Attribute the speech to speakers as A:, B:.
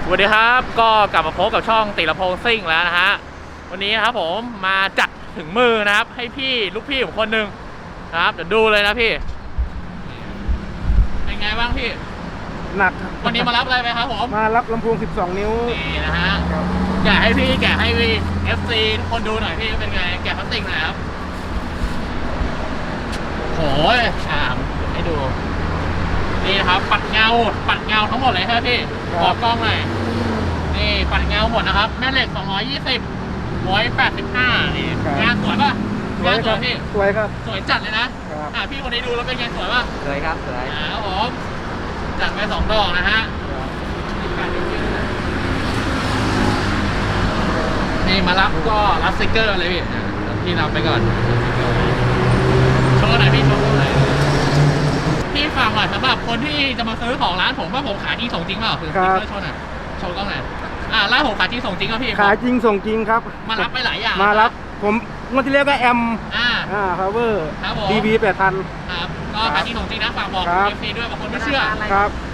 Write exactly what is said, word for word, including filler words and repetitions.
A: สวัสดีครับก็กลับมาพบกับช่องติรพงษ์ซิ่งแล้วนะฮะวันนี้นะครับผมมาจัดถึงมือนะครับให้พี่ลูกพี่ผมคนหนึ่งนะครับเดี๋ยวดูเลยนะพี่เป็นไงบ้างพี่
B: หนัก
A: วันนี้มารับอะไรไปครับผม
B: มารับลำโพงสิบสองนิ้ว
A: นี่นะฮะแกะให้พี่แกะให้พี่ เอฟ ซี ทุกคนดูหน่อยพี่เป็นไงแกะพลาสติกหน่อยครับโอ้ยอ่าให้ดูนี่นะครับปัดเงาปัดเงาทั้งหมดเลยใช่ไหมพี่ขอกล้องหน่อยนี่ปัดเงาหมดนะครับแม่เหล็กสองร้อยยี่สิบ หนึ่งร้อยแปดสิบห้านี่งานสวยป่ะงานสวยพี่
B: สวยครับ
A: สวยจัดเลยนะอ่าพี่คนนี้ดูแล้วเป็นไงสวยป่ะ
B: สวยครับสวย
A: ครับผมจัดไปสองดอกนะฮะนี่มารับก็รับสติ๊กเกอร์เลยพี่พี่รับไปก่อนโชว์หน่อยพี่โชว์หน่อยพี่ฟังหน่อยสำหรับคนที่จะมาซื้อของร้านผมว่าผมขายจริงส่งจริงเปล่าคือสติ๊กเกอร์โชว์หน่อยโชว์กล้องหน่อยอ่าร้านผมขายจริงส่งจริงครับพี่
B: ขายจริงส่งจริงครับ
A: มารับไปหลายอย่าง
B: มารับผมงวดที่แล้วก็แอม
A: อ่า
B: อ่าพาวเวอร์
A: ครับผม
B: ดีบีแปดพัน
A: ครับก็ขายจริงส่งจริงนะฝากบอกเอฟซีด้วยบางคนไม่เชื่อ
B: ครับ